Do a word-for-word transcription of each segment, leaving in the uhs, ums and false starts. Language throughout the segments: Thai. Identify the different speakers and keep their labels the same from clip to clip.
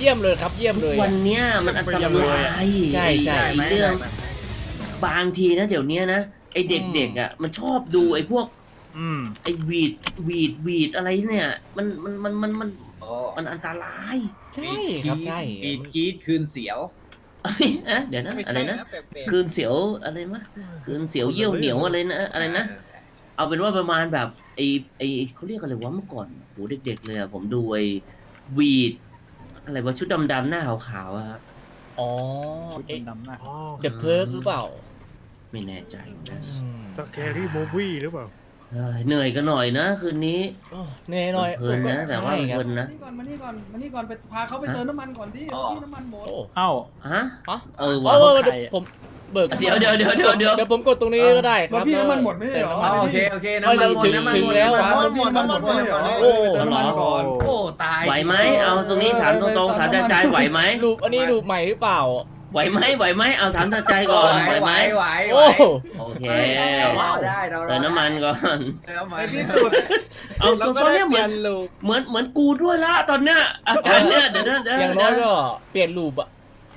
Speaker 1: ยี่ยมเลยครับเยี่ยมเลย
Speaker 2: วันเนี้ยมันอันตราย
Speaker 1: ใช่ใช่
Speaker 2: เรื่องบางทีนะเดี๋ยวนี้นะไอเด็กๆอ่ะมันชอบดูไอพวกไอวีดวีดวีดอะไรเนี่ยมันมันมันมันมันมันอันตราย
Speaker 1: ใช่ครับใช่
Speaker 3: ปีดกีดคืนเสียว
Speaker 2: เดี๋ยวนะอะไรนะคืนเสียวอะไรมะคืนเสียวเยี่ยวเหนียวอะไรนะอะไรนะเอาเป็นว่าประมาณแบบไอไอเขาเรียกอะไรวะเมื่อก่อนโหเด็กๆเลยอะผมดูไอวีดอะไรวะชุดดำๆหน้าขาวๆอะครับ
Speaker 1: อ๋อ
Speaker 4: ชุดดำหน้า
Speaker 1: เดอะเพิร์กหรือเปล่า
Speaker 2: ไม่แน่ใจนะ
Speaker 5: สแกรี่โมวี่หรือเปล่า
Speaker 2: เหนื่อยกันหน่อยนะคืนนี้
Speaker 1: เหนื่อยหน่อย
Speaker 2: เพลินนะแต่ว่าเพลินนะ
Speaker 6: มานี่ก่อนมานี่ก่อนมานี่ก่อนไปพาเขาไปเติมน้ำมันก่อนดิที่น้ำมันหมด
Speaker 4: เอ้า
Speaker 2: ฮะ
Speaker 1: เอ
Speaker 2: อ
Speaker 1: ว่ะผมเบิก
Speaker 2: เดี๋ยวเดี๋ยวเดี๋ยวเดี๋ยวเดี๋ยว
Speaker 1: เดี๋ยวผมกดตรงนี้ก็ได้ครับ
Speaker 6: พี่น้ำมันหมดไม่ใช่หรอ
Speaker 3: โอเคโอเคน้ำมันหมดน้ำมันหมด
Speaker 1: แล้ว
Speaker 6: น้ำมันหมดน้ำมันหมด
Speaker 1: โอ้
Speaker 6: เติมน้ำมันก่อน
Speaker 3: โอ้ตาย
Speaker 2: ไหวไหมเอาตรงนี้ถามตรงๆถามใจไหวไหม
Speaker 1: รูปอันนี้รูปใหม่หรือเปล่า
Speaker 2: ไหวไหมไหวไหมเอาถามใจก่อนไหวไหม
Speaker 3: ไหว
Speaker 1: โอ้
Speaker 2: โอเค
Speaker 3: เราได้เรา
Speaker 2: เติมน้ำมันก่อน
Speaker 6: ในที่สุด
Speaker 2: เอาตอนนี้เหมือนเหมือนเหมือนกูด้วยละตอนเนี้ยอาการเนี้ยเดี๋ยวนะเดี๋ยว
Speaker 1: อย่างน้อยก็เปลี่ยนรูปอะ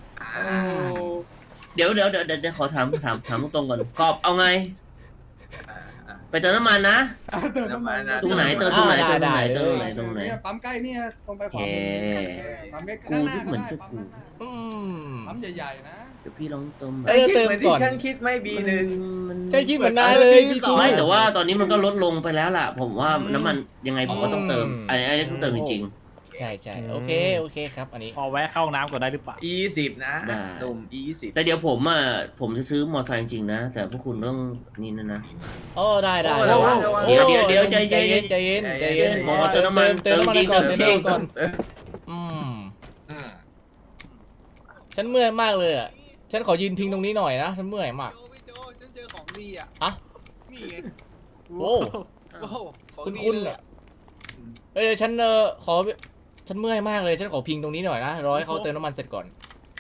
Speaker 2: เดี๋ยวเดี๋ยวเดี๋ยวเดี๋ยวจะขอถามถามถามตรงๆก่อนกอบเอาไงไปเติมน้ำมันนะ
Speaker 6: เติมน้ำมัน
Speaker 2: ตรงไหนเติมตรงไหนตรงไหนตรงไหนตรงไหน
Speaker 6: ปั๊มใกล้นี่ตรงไปขวาปั๊มใกล้
Speaker 2: กูที่เหมือนกับกู
Speaker 6: ปั๊มใหญ่ๆนะ
Speaker 2: เดี๋ยวพี่ลองเติม
Speaker 3: เอ้ยเติมก่อนฉันคิดไม่บีหนึ่ง
Speaker 1: ใช่คิดเหมือนนายเลยพี่ทู
Speaker 2: ไม่แต่ว่าตอนนี้มันก็ลดลงไปแล้วล่ะผมว่าน้ำมันยังไงผมก็ต้องเติมอันนี้ต้องเติมจริง
Speaker 1: ใช่ใช่โอเคโอเคครับอันนี้
Speaker 4: พอแวะเข้าน้ำก่อนได้หรือเปล่า
Speaker 3: ยี่สิบนะดุมยี่สิบ
Speaker 2: แต่เดี๋ยวผมอ่ะผมจะซื้อมอเตอร์ไซค์จริงนะแต่พวกคุณต้องนี่นะนะ
Speaker 1: โอ้ได้ได้
Speaker 2: เดี๋ยวเดี๋ยวเดี๋ยวใจ
Speaker 1: เย็นใจเย็นใจเย็น
Speaker 2: มอเติมน้ำมัน
Speaker 1: เติมจริงก่อนเติมก่อนอืมฉันเมื่อยมากเลยอ่ะฉันขอยืนพิงตรงนี้หน่อยนะฉันเมื่อยมาก
Speaker 7: พี่โจฉันเจอของดีอ่ะ
Speaker 1: อะ
Speaker 7: นี่ไง
Speaker 1: โอ้คุณคุณอ่ะเอ้ยฉันเออขอฉันเมื่อยมากเลยฉันขอพิงตรงนี้หน่อยนะรอให้เขาเติมน้ำมันเสร็จก่อน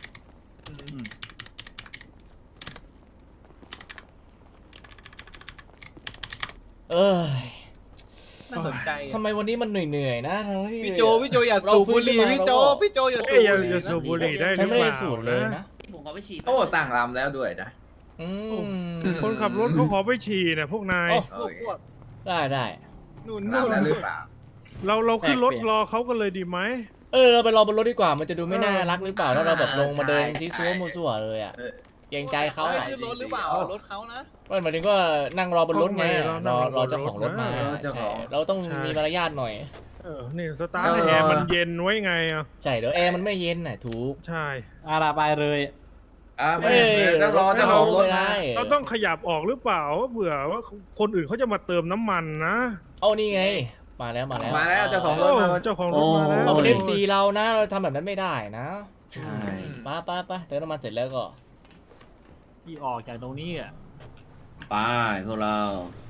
Speaker 1: เออ
Speaker 7: น่าสนใจ
Speaker 1: ทำไมวันนี้มันเหนื่อยๆนะ
Speaker 7: พี่โจพี่โจอย่าสูบบุหรี่พี่โจพี่โจอย่า
Speaker 5: สูบบุหรี่ได้หรือเปล่า
Speaker 1: ฉันไม่ได้สูบเลยนะ
Speaker 2: ผมขอไปฉีด
Speaker 3: โอ้ต่างลำแล้วด้วยนะ
Speaker 5: คนขับรถเขาขอไปฉี่นะพวกนาย
Speaker 1: ได้ได้
Speaker 7: นู่นนู่น
Speaker 3: หรือเปล่า
Speaker 5: เราเราขึ้นรถรอเขากันเลยดีไหม
Speaker 1: เออเราไปรอบนรถดีกว่ามันจะดูไม่น่ารักหรือเปล่าถ้าเราแบบลงมาเดินซีซัวมัวซัวเลยอ่ะเกรงใจเขาอ่ะ
Speaker 7: ขึ้นรถหรือเปล่ารถเขานะ
Speaker 1: ก็หมายถึงก็นั่งรอบนรถไงรอรอเจ้าของรถมาใช่เราต้องมีมารยาทหน่อย
Speaker 5: เออนี่สตาร์ทแอร์มันเย็นไว้ไงอ่ะ
Speaker 1: ใช่เดี๋ยวแอร์มันไม่เย็นน่ะถูก
Speaker 5: ใช่
Speaker 4: อาราไปเลย
Speaker 3: อ่าไม่ต้องรอเจ้าของรถ
Speaker 1: ได้
Speaker 5: เราต้องขยับออกหรือเปล่าว่าเผื่อว่าคนอื่นเขาจะมาเติมน้ำมันนะ
Speaker 1: เอานี่ไงมาแล้วมาแล้ว
Speaker 3: มาแล้วเจ้าของรถ
Speaker 5: เจ้าของรถมาแล้ว
Speaker 1: เราเป็นเอฟซีเรานะเราทำแบบนั้นไม่ได้นะ
Speaker 2: ใช่
Speaker 1: ป้าป้าป้าเติมน้ำมันเสร็จแล้วก็
Speaker 4: ที่ออกจากตรงนี้อ่ะ
Speaker 2: ไปพวกเรา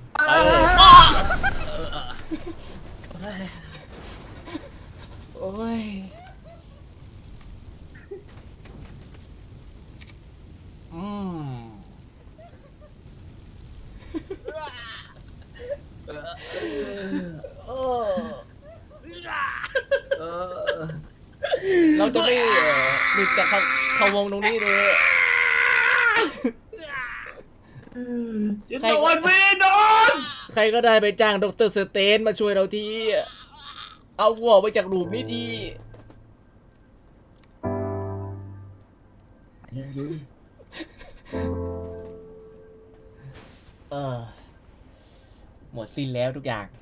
Speaker 1: โอ้ยอืมเราจะไม่หลุดจากเขาวงตรงนี้เลย
Speaker 2: ใครโดนไม่โดน
Speaker 1: ใครก็ได้ไปจ้างดร.สเตนมาช่วยเราทีเอาวัวไปจากหลุมนี้ทีเออหมดสิ้นแล้วทุกอย่าง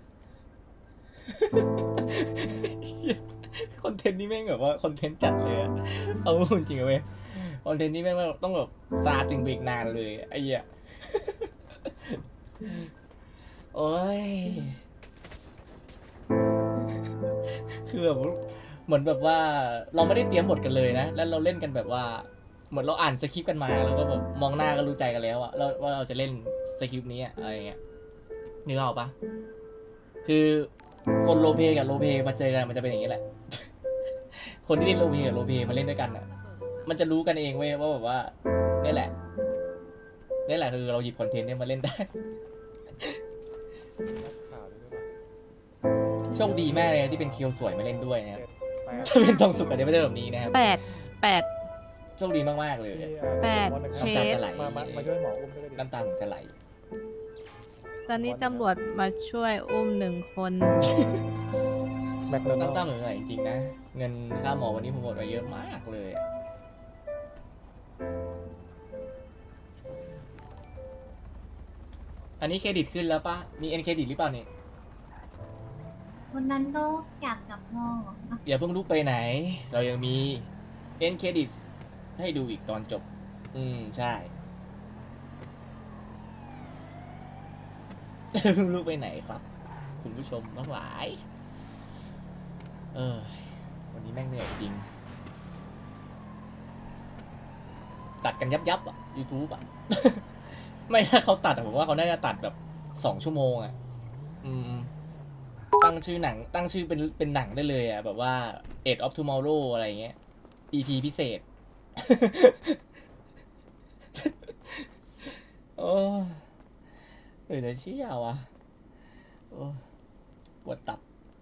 Speaker 1: คอนเทนต์นี้แม่งแบบว่าคอนเทนต์จัดเลยอะเอาจริงๆเว้ยคอนเทนต์นี้แม่งต้องแบบตาตึงเบรกนานเลยไอ้เหี้ยโอ้ยคือแบบเหมือนแบบว่าเราไม่ได้เตรียมบทกันเลยนะแล้วเราเล่นกันแบบว่าเหมือนเราอ่านสคริปต์กันมาแล้วก็แบบมองหน้าก็รู้ใจกันแล้วอะแล้วว่าเราจะเล่นสคริปต์นี้อะไรเงี้ยนึกออกปะคือคนโรเพกับโรเพมาเจอกันมันจะเป็นอย่างนี้แหละคนที่เล่นโรเพกับโรเพมาเล่นด้วยกันอะมันจะรู้กันเองเว้ยว่าแบบว่านี่แหละนี่แหละคือเราหยิบคอนเทนต์นี้มาเล่นได้โชคดีมากเลยที่เป็นเคียวสวยมาเล่นด้วยนะครับถ้าเป็นทองสุกอาจจะไม่ใช่แบบนี้นะครับ
Speaker 8: แปดแปด
Speaker 1: โชคดีมากๆเลย
Speaker 8: แปดเค
Speaker 1: น้ำตา
Speaker 8: ส
Speaker 1: จะไหล
Speaker 4: มามามาช่วยหมออุ้มด้วยดิ
Speaker 1: น้ำตาผมจะไหล
Speaker 8: ตอนนี้ตำรวจมาช่วยอุ้มหนึ่งคน
Speaker 4: แม็กโดนัล
Speaker 1: น้ำตา
Speaker 4: ด์
Speaker 1: เหมือนไหลจริงๆนะ เงินค่าหมอวันนี้ผมหมดไปเยอะมากเลยอะอันนี้เครดิตขึ้นแล้วปะมีเอ็นเครดิตหรือเปล่าเนี่ย
Speaker 9: คนนั้นก็อยากกลับงอ
Speaker 1: อย่าเพิ่งลุกไปไหน เรายังมีเอ็นเครดิตให้ดูอีกตอนจบ อืม ใช่ เพิ่งลุกไปไหนครับ คุณผู้ชมทั้งหลาย เออ วันนี้แม่งเหนื่อยจริง ตัดกันยับยับๆอ่ะ YouTube อ่ะ ไม่ถ้าเขาตัดอะผมว่าเขาน่าจะตัดแบบสองชั่วโมงอ่ะ อืม ตั้งชื่อหนัง ตั้งชื่อเป็นเป็นหนังได้เลยอ่ะ แบบว่า Age of Tomorrow อะไรเงี้ย อี พี พิเศษ โอ้เออเดี๋ยวเชี่ยวอ่ะโอ้ปวดตับ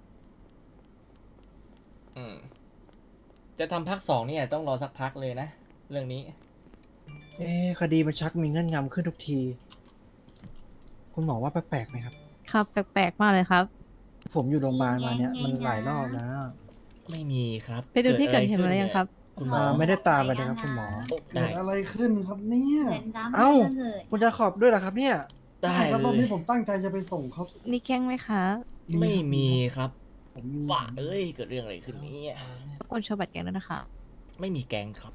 Speaker 1: อืม จะทำภาคสองเนี่ยต้องรอสักพักเลยนะ เรื่องนี้
Speaker 10: เอ๊ะคดีมันชักมีเงื่อนงำขึ้นทุกที คุณหมอว่าแปลกๆไหมครับ
Speaker 8: ครับแปลกๆมากเลยครับ
Speaker 10: ผมอยู่โรงพยาบาลมาเนี่ยมันหลายรอบแล้ว
Speaker 1: ไม่มีครับ
Speaker 8: ไปดูที่เกิดเหตุมา
Speaker 1: อะไร
Speaker 8: แล้วยังครับ
Speaker 1: คุณหมอ
Speaker 10: อ่าไม่ได้ตามไปเลยครับคุณหมอ
Speaker 6: เกิ
Speaker 1: ได้
Speaker 6: ดอะไรขึ้นครับเนี่ย
Speaker 9: เหมือนดราม่า
Speaker 10: เอ้า
Speaker 9: เลย
Speaker 10: คุณจะขอบด้วยเหรอครับเนี่ย
Speaker 1: ได้
Speaker 6: ครับ
Speaker 1: เล
Speaker 6: รอบ
Speaker 1: ย
Speaker 6: นี้ผมตั้งใจจะไปส่งเขา
Speaker 8: นี่แกล้งไหมคะ
Speaker 1: ไม่มีครับ
Speaker 6: ผมมี
Speaker 1: ว่าเอ้ย เกิดเรื่องอะไรขึ้นเนี่ย
Speaker 8: คนโชว์บัตรแกงแล้วยนะคะ
Speaker 1: ไม่มีแก๊งครับ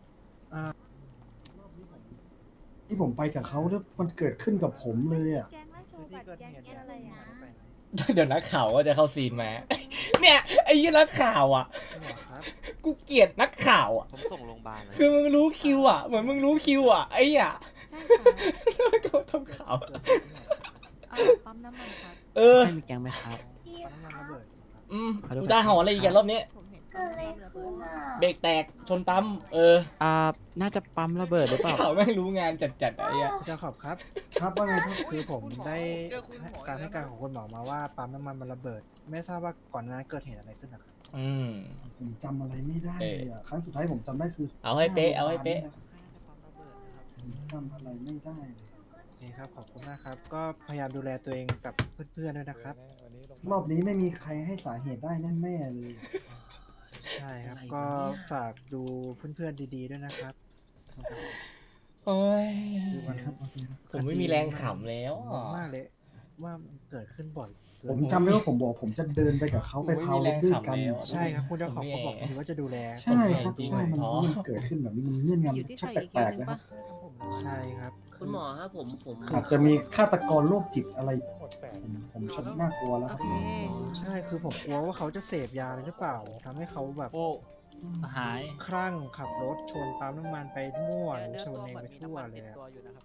Speaker 6: ที่ผมไปกับเขาแล้วมันเกิดขึ้นกับผมเลยอ่ะ
Speaker 8: แกงแล้วโชว์บัตรแกงแกงอะไรนะ
Speaker 1: เดี๋ยวนักข่าวก็จะเข้าซีนมา เนี่ยไอ้ยี่นักข่าวอ่ะ
Speaker 10: คุณหมอครับ
Speaker 1: กูเกลียดนักข่าวอ่ะ
Speaker 11: ผมส่งโรงพยาบาลเลย
Speaker 1: คือมึงรู้คิวอ่ะ เหมือนมึงรู้คิวอ่ะ ไอ้อ่ะ
Speaker 8: ใช่ค่ะ
Speaker 1: แล้วก็ทำข่าว
Speaker 8: เอาปั๊มน้ำมันครับ
Speaker 1: เออ
Speaker 4: ให้มีแกงไหมครับ
Speaker 10: น้ำมันระเบิดเหรอครับ
Speaker 1: อืมกูได้หออะไรอีกอะรอบนี้
Speaker 8: ผมเห็น
Speaker 9: เกิดอะไรขึ้นอ่ะ
Speaker 1: เบรกแตกชนปั๊ม เออ
Speaker 4: อ่า น่าจะปั๊มระเบิดหรือเปล่า
Speaker 1: ข่าวแม่งรู้งานจัดๆไอ้อะ
Speaker 10: คุณจะขอบครับ
Speaker 6: ครับว่าไงครับ
Speaker 10: คือผมได้
Speaker 7: เจอคุณหมอ
Speaker 10: การให้การของคุณหมอมาว่าปั๊มน้ำมันมันระเบิด ไม่ทราบว่าก่อนหน้านั้นเกิดเหตุอะไรขึ้นนะครับ
Speaker 1: อืม
Speaker 6: ผมจำอะไรไม่ได้เลยอ่ะครั้งสุดท้ายผมจำได้คือ
Speaker 1: เอาให้เป๊ะเอาให้เป๊ะ
Speaker 6: ผมจำอะไรไม่ได้เลย
Speaker 10: โอเคครับ ขอบคุณมากครับ ก็พยายามดูแลตัวเองกับเพื่อนๆด้วยนะครับ
Speaker 6: รอบนี้ไม่มีใครให้สาเหตุได้แน่ๆเลย
Speaker 10: ใช่ครับ
Speaker 2: อะไรวะ
Speaker 10: ก็
Speaker 2: เนี่ย
Speaker 10: ฝากดูเพื่อนๆดีๆด้วยนะครับ
Speaker 1: โอ้ย
Speaker 6: โอเคครับโอเคครับ
Speaker 1: ผมไม่มีแรงขำแล้ว
Speaker 10: ง
Speaker 1: อ่ะ
Speaker 10: งมากเลย ว่ามันเกิดขึ้นบ่อยเกิน
Speaker 6: ผมจำได้ว่าผมบอกผมจะเดินไปกับเขาไปพาวรถด้วยกัน
Speaker 10: ใช่ครับ คุณเจ้าของเขาบอกผมว่าจะดูแล
Speaker 6: ใช่ครับใช่มันมันเกิดขึ้นแบบนี้มันเงื่อน
Speaker 8: อยู่ที่
Speaker 6: งำชั
Speaker 8: ใค
Speaker 6: ก
Speaker 8: รอีก
Speaker 6: แป
Speaker 8: คิ
Speaker 6: ล
Speaker 8: ว
Speaker 6: ก
Speaker 8: หนึ่
Speaker 6: ๆ
Speaker 8: ง
Speaker 6: นะครับ
Speaker 8: ปะ
Speaker 10: ใช่ครับ
Speaker 2: คุณหมอครับผมผม
Speaker 6: อาจจะมีฆาตกรโรคจิตอะไร ผมผมชักน่ากลัวแล้ว
Speaker 8: โอ
Speaker 6: ครับ
Speaker 8: เค
Speaker 10: ใช่คือผมกลัวว่าเขาจะเสพยาอะไรหรือเปล่าทำให้เขาแบบ
Speaker 4: โอ้ สหาย
Speaker 10: คลั่งขับรถชนปั๊มน้ำมันไปมั่วหรือชนเองไปทั่วเลยอะ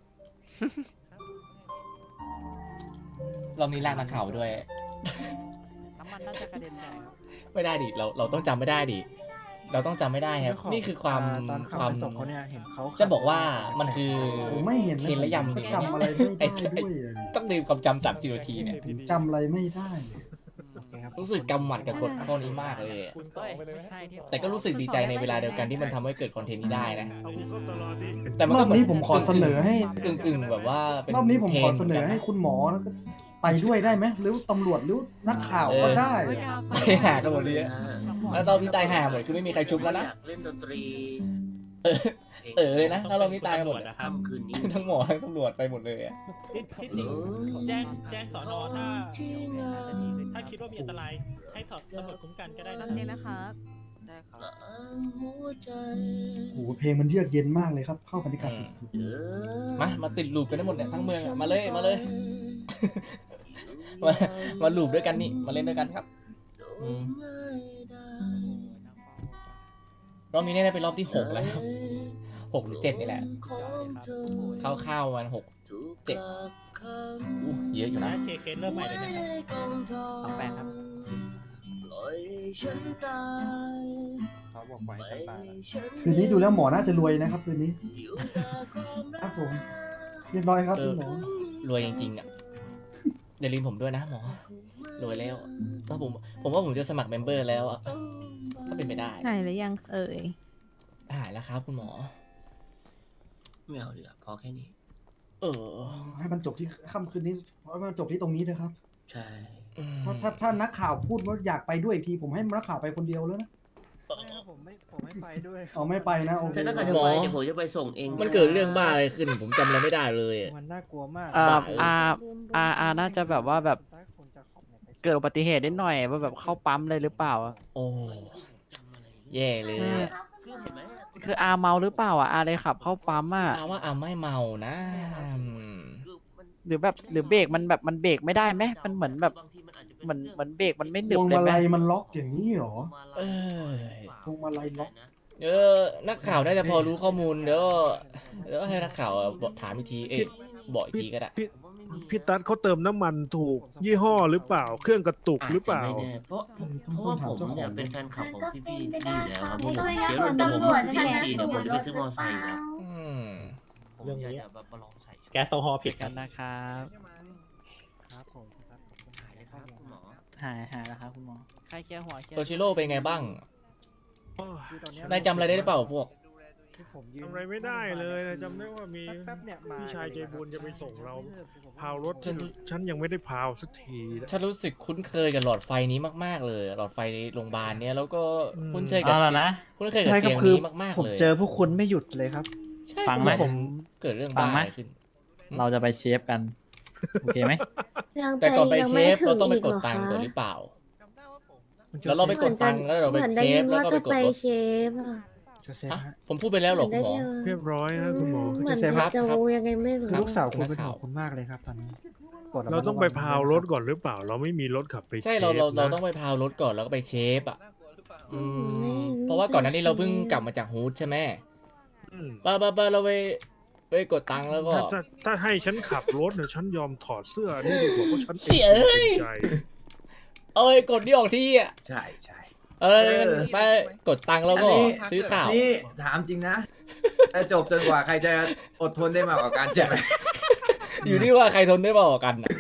Speaker 1: รอบนี้ลากนักข่าวด้วย
Speaker 4: น้ำมันน่าจะกระเด็นแตกครับ
Speaker 1: ไม่ได้ดิ เราเราต้องจำไม่ได้ดิ เราต้องจำไม่ได้ครับ
Speaker 10: เจ้าขง
Speaker 1: นี่คือความ
Speaker 10: อ่ตอนขับ
Speaker 1: ความ
Speaker 10: ไปส่งเขาเนี่ยเห็นเขาขั
Speaker 1: จะบอกว่ามันคือ
Speaker 6: ผมไม่เห็น
Speaker 1: เคนและยำ
Speaker 6: ผม
Speaker 1: เนี่ย
Speaker 6: จำอะไรไม่ได้ด้วยอะดิ
Speaker 1: ต้องดื่มความจำสามสิบนาทีเนี่ย
Speaker 6: ผมจำอะไรไม่ได้เลย
Speaker 10: โอเคครับ
Speaker 1: รู้สึกกำหมัดกับกฎข้อนี้มากเลยอะ
Speaker 4: คุณสองไปเลยไม่ใช่ที่
Speaker 1: แต่ก็รู้สึกดีใจในเวลาเดียวกันที่มันทำให้เกิดคอนเทนต์นี้ได้นะ
Speaker 5: เอากูเข้าตลอดดิ
Speaker 1: แต่มัน
Speaker 6: ร
Speaker 1: ก็
Speaker 6: อบนี้ผมขอเสนอให้
Speaker 1: กึ่งกึ่งๆแบบว่าเป็น
Speaker 6: รอบนี้ผมขอเสนอ
Speaker 1: ทร
Speaker 6: ให้
Speaker 1: ด์
Speaker 6: คุณหมอแล้วก็ไปด้วยได้ไหมหรือตำรวจหรือนักข่าวก็ได้
Speaker 1: ไปหากันหมดเลยอะแล้วตอนนี้ตายห่าหมดคือไม่มีใครชุบแล้วนะ
Speaker 2: อยากเล่นดนตรี
Speaker 1: เออ เออเลยนะถ้าเรานี้ตายกันหมดอะ
Speaker 4: นะครับ
Speaker 2: ค่ำคืนนี้
Speaker 1: ทั้งหมอทั้งตำรวจไปหมดเลยอะ
Speaker 4: ที่ที่หนิงแจ้งแจ้งสอนอถ้าถ้าคิดว่ามีอันตรายให้ถอดตำรวจคุ้มกันก็ได้
Speaker 8: ตอ
Speaker 4: นะ
Speaker 8: นนี้นะครับ
Speaker 11: ได้ครับ
Speaker 2: หัวใจ
Speaker 6: โอ้โหเพลงมันเยือกเย็นมากเลยครับ เข้าบรรยากาศสุด
Speaker 2: เออ
Speaker 1: มา มาติดลูปกันได้หมดเนี่ยทั้งเมืองอะมาเลย มาเลย มามาลูปด้วยกันนี่ มาเล่นด้วยกันครับ อืม รอบนี้เนี่ยเป็นรอบที่หกแล้วครับหกหรือเจ็ดนี่แหละเข้าวๆวันหก เจ็ด อู้เยอะอยู่
Speaker 4: นะ
Speaker 1: นะ
Speaker 4: เคเคสเริ่มใหม่เลยนะครับสองแปดครับ
Speaker 2: ปล่อยฉันตาย
Speaker 4: เขาบอกไว้
Speaker 2: ไป
Speaker 4: ตายแล้ว
Speaker 6: ๆคืนนี้ดูแล้วหมอน่าจะรวยนะครับคืนนี้
Speaker 2: อยู่แต่ความรั
Speaker 6: ครั
Speaker 2: ก
Speaker 6: บผม เรียบร้อยครับ
Speaker 1: เออ
Speaker 6: คุณหมอ
Speaker 1: รวยจริงๆอ่ะอย่าลืมผมด้วยนะหมอ รวยแล้วถ้าผม ผมว่าผมจะสมัครเมมเบอร์แล้วอ่ะก็เป็นไปได้
Speaker 8: หายหรือยังเอ่ย
Speaker 1: หายแล้วครับคุณหมอ
Speaker 2: ไม่เอาดีกว่าพอแค่นี้
Speaker 1: เออ
Speaker 6: ให้มันจบที่ค่ำคืนนี้ให้มันจบที่ตรงนี้เถอะครับ
Speaker 2: ใช่
Speaker 1: อืม
Speaker 6: ถ้าถ้าถ้านักข่าวพูดว่าอยากไปด้วยอีกทีผมให้นักข่าวไปคนเดียวแล้วนะ
Speaker 10: ผมไม่ผมไม่ไปด้วย
Speaker 6: เอาไม่ไปนะโอเค
Speaker 2: ถ้านักข่าวจะไปเดี๋ยวผมจะไปส่งเอง
Speaker 1: มันเกิดเรื่องบ้าอะไรขึ้น ผมจำอะไรไม่ได้เลยอะ
Speaker 10: มันน่ากลัวมาก
Speaker 1: อ่า
Speaker 10: อ่า
Speaker 11: อ่าอ่าน่าจะแบบว่าแบบเกิดอุบัติเหตุนิดหน่อยว่าแบบเข้าปั๊มเลยหรือเปล่าอะ
Speaker 1: โอ้แย่เลยอะ
Speaker 2: คือเห็นไหม
Speaker 11: คืออาเมาหรือเปล่าอ่ะอาเลยขับเข้าปั๊มอ่ะ
Speaker 1: อาว่าอาไม่เมานะอืม
Speaker 2: คือมัน
Speaker 11: หรือแบบหรือเบรกมันแบบมันเบรกไม่ได้ไหมมันเหมือนแบบ
Speaker 2: บางทีมันอาจจะเป็น
Speaker 11: เหมือน
Speaker 2: รื่อง
Speaker 11: เหมือนเบรกมันไม่ห
Speaker 6: พ
Speaker 11: นึบ
Speaker 6: วง
Speaker 11: เลย
Speaker 6: มา
Speaker 11: ไหม
Speaker 6: ลัยมันล็อกอย่างนี้เหรอ
Speaker 1: เออ
Speaker 6: พวงมาลัยล็อก
Speaker 1: เออนักข่าวน่าจะพอรู้ข้อมูลเดี๋ยวเดี๋ยวให้นักข่าวบอกถามอีกที เอ๊ะบอกอีกทีก็ได้
Speaker 5: พี่พี่ตั๊ดเขาเติมน้ำมันถูกยี่ห้อหรือเปล่า เครื่องกระตุกหรือเปล่า
Speaker 2: จจะไม่แน่เพราะเพราะว่าผมเนี่ยเป็นแฟนคลับของพี่พี่ๆนี่อยู่แล้วครับผม
Speaker 9: ไม่
Speaker 2: เดี๋ยว
Speaker 9: ต้อง
Speaker 2: เดี๋ยวผม
Speaker 9: ตำรวจ
Speaker 2: ที่ทีเดี๋ยวผมจะไปซื้อมอเตอร์ไซค์ครับ
Speaker 1: อืม
Speaker 2: ผมอยากจะแบบมาลองใส่
Speaker 4: แก๊สโซฮอล์ผิด
Speaker 11: กั
Speaker 4: กัน น
Speaker 11: นะครับ
Speaker 10: ครับผมครับผม
Speaker 2: หายเลยครับคุณหมอ
Speaker 11: หายหายแล้วครับคุณหมอใครเคลียร์หัวเคลีย
Speaker 1: โต
Speaker 11: ร์
Speaker 1: ชิโร่เป็นไงบ้าง
Speaker 10: คือตอนเนี้ย
Speaker 1: นายจำอะไรได้หรือเปล่าพวก
Speaker 10: ที่ผมยืน
Speaker 5: ทำอะไรไม่ได้เลยนะจำได้ว่ามี
Speaker 10: แป๊บๆเนี่ยมา
Speaker 5: พี่ชายใจบุญจะไปส่งเรา
Speaker 10: ผม
Speaker 5: พาวรถ
Speaker 1: ฉัน
Speaker 5: ฉันยังไม่ได้พาวสักทีนะ
Speaker 1: ฉันรู้สึกคุ้นเคยกับหลอดไฟนี้มากๆเลย หลอดไฟในโรงพยาบาลเนี้ยแล้วก็
Speaker 5: อืม
Speaker 1: คุ้นเคยกับ
Speaker 11: เอาละนะ
Speaker 1: คุ้นเคยกับ
Speaker 10: ใช่ครั
Speaker 1: เตี
Speaker 10: บ
Speaker 1: ยง
Speaker 10: คือ
Speaker 1: นี้มากๆ
Speaker 10: ผม
Speaker 1: เลย
Speaker 10: เจอพวกคุณไม่หยุดเลยครับ
Speaker 1: ใช่
Speaker 11: ฟังไหม
Speaker 1: ผมเกิดเรื่อง
Speaker 11: ฟั
Speaker 1: บ้าง
Speaker 11: ไหม
Speaker 1: อะไรขึ้น
Speaker 11: เราจะไปเชฟกัน โอเคไหม
Speaker 1: แต่ก่อนไปเชฟเราต้องไปกดตังค์ก่อนหรือเปล่า แล้วเราไปกดตังค์แล้วเราไปเชฟแล้วก็ไปกดรถ
Speaker 9: ฟอะ
Speaker 10: โจเซฟ
Speaker 1: ฮะ
Speaker 10: ฮะ
Speaker 1: ผมพูดไปแล้วเหรอคุณหมอ
Speaker 5: เรียบร้อยนะคุณหมอ
Speaker 9: เหมือน
Speaker 10: เจฟครับ
Speaker 9: จะรู้ยังไงไม่รู้
Speaker 10: คือลูกสาวคุณ
Speaker 1: นั
Speaker 10: เป็น
Speaker 1: ก
Speaker 10: ห่
Speaker 1: ข่าว
Speaker 10: วงคุณมากเลยครับตอนนี้โปรดะมัด
Speaker 5: เราต้องไป
Speaker 10: ะวั
Speaker 5: พาวรถ
Speaker 10: ด้วย
Speaker 5: ก่อนหรือเปล่า เราไม่มีรถขับไป
Speaker 1: ใช่เราเรา
Speaker 5: ชฟ
Speaker 1: เรา
Speaker 5: นะ
Speaker 1: ต้องไปพาวรถก่อนแล้วก็ไปเชฟอ่ะ อื
Speaker 9: ไม่
Speaker 1: ม
Speaker 9: ไม่
Speaker 1: เพราะว่าก่อนหน้านี้เราเพิ่ง
Speaker 9: เชฟ
Speaker 1: กลับมาจากฮูดใช่ไหม
Speaker 5: อืม
Speaker 1: ไปไปไปเราไปไปกดตังค์แล้วก็
Speaker 5: ถ้าถ้าถ้าให้ฉันขับรถเนี่ยฉันยอมถอดเสื้อนี่ดีกว่าเพราะฉัน
Speaker 1: เสียเอ้ย
Speaker 5: ใจ
Speaker 1: เอ้ยกดนี่ออกที่อ่ะ
Speaker 3: ใช่ใช่
Speaker 1: เออไปกดตังค์แล้วก็
Speaker 3: อันนี้
Speaker 1: ซื้อข่าว
Speaker 3: นี่ถามจริงนะจะจบจนกว่าใครจะอดทนได้มากกว่ากันใช่ไหม
Speaker 1: อยู่ที่ว่าใครทนได้มากกว่ากันอ่ะ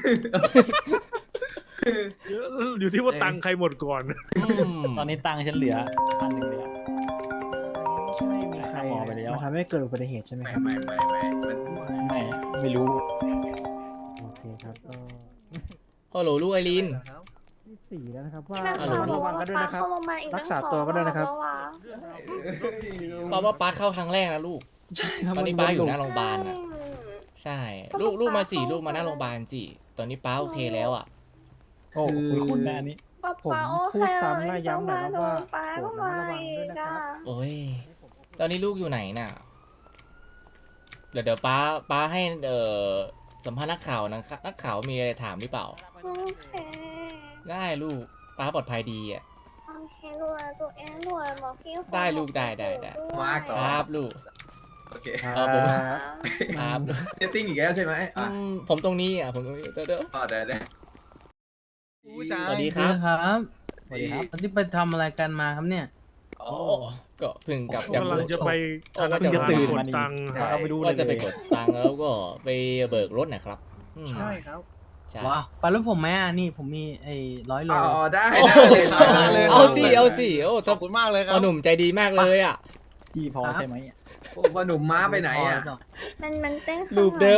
Speaker 5: อยู่ที่ว่าตังค์ใครหมดก่อน
Speaker 1: อืม
Speaker 11: ตอนนี้ตังค์ฉันเหลือพันหนึ่งเลยอะ
Speaker 10: ไม่ใช่มีใคร
Speaker 11: หมอไปแล้ว
Speaker 10: มาทำให้เกิดอุบัติเหตุใช่ไหม
Speaker 3: ไม่
Speaker 10: ครับ
Speaker 3: ไม่ไม่ไม่มัน
Speaker 11: ไม่ไม่รู้
Speaker 10: โอเคครับก็
Speaker 1: ฮัลโหลลูกไอรีน
Speaker 10: ที่สี่แล้วนะครับว่า
Speaker 1: ฮัลโหล
Speaker 10: ระมัดระวังกันด้วยนะครับ รักษาตัวกันด้วยนะครับ
Speaker 1: ป้าว่าป้าเข้าครั้งแรกนะลูก
Speaker 10: ใช่ครับ
Speaker 1: ตอนนี้
Speaker 10: มั
Speaker 1: ป้าอยู่ห
Speaker 10: มั
Speaker 1: น้าโรงพยาบาลอ่ะ ใช่ ลูกลูกมาสี่ลูกมาหน้าโรงพยาบาลสิตอนนี้ป้าโอเคแล้วอ่ะ
Speaker 11: โอ้คุณคุณแน่นี้
Speaker 10: ผมพูดซ้ำและย้ำหน่อยครับว่าโปรดระมัดระวังด้วยนะครับ
Speaker 1: โอ้ย ตอนนี้ลูกอยู่ไหนน่ะ เดี๋ยวเดี๋ยวป้าป้าให้เอ่อสัมภาษณ์นักข่าวนะครับนักข่าวมีอะไรถามหรือเปล่า
Speaker 9: โอเค
Speaker 1: ได้ลูกป้าปลอดภัยดีอ่ะ
Speaker 9: โอเครวยตัวเองรวยบอกพี่คน
Speaker 1: ได้ลูกได้ได้ได้
Speaker 3: มาก่
Speaker 1: ค
Speaker 3: อน
Speaker 1: รับลูก
Speaker 3: โอเค
Speaker 1: เออผม
Speaker 10: ครับ
Speaker 1: ครับ
Speaker 3: เซตติ้งอีกแล้วใช่ไหม
Speaker 1: อื
Speaker 3: อ่ะ
Speaker 1: มผมตรงนี้อ่ะผมตรงนี้เดี๋ยวเดี๋ยว
Speaker 3: อ๋อได้ได้
Speaker 7: ผู้ชา
Speaker 1: สวั
Speaker 7: ย
Speaker 1: สดีครับ
Speaker 6: ครับ
Speaker 11: สวัสดีครับ
Speaker 6: วันนี้ไปทำอะไรกันมาครับเนี่ย
Speaker 3: อ๋อ
Speaker 1: โอ้ก็เพิ่งกลับจาก
Speaker 5: กำลังจะไปธนา
Speaker 1: จะ
Speaker 5: คาร
Speaker 1: ตื่น
Speaker 5: ก
Speaker 11: มา
Speaker 5: ด
Speaker 11: นี่
Speaker 5: ตังค์
Speaker 11: เอาไปดูเลย
Speaker 1: ว่าจะไปกดตังค์แล้วก็ไปเบิกรถนะครับอืม
Speaker 7: ใช่ครับ
Speaker 1: ใช่
Speaker 6: ว้าวไปแล้วผมไหมอ่ะนี่ผมมีไอ้ร้อยโล
Speaker 3: อ๋อได้
Speaker 1: โอ้
Speaker 3: ได้
Speaker 1: โห
Speaker 3: เลย
Speaker 1: เอาสิเอาสิโอ้
Speaker 7: ข
Speaker 1: ถ้า
Speaker 7: อบคุณมากเลยครั
Speaker 1: พ่อบ หนุ่มใจดีมากเลยอ่ะ
Speaker 11: พี่พอใช่ไหม
Speaker 3: โอ้พ่อหนุ่มม้าไปไหนอ่ะ
Speaker 9: มันมันเต้นข้าง
Speaker 1: รูป
Speaker 9: หลัง
Speaker 1: เดิม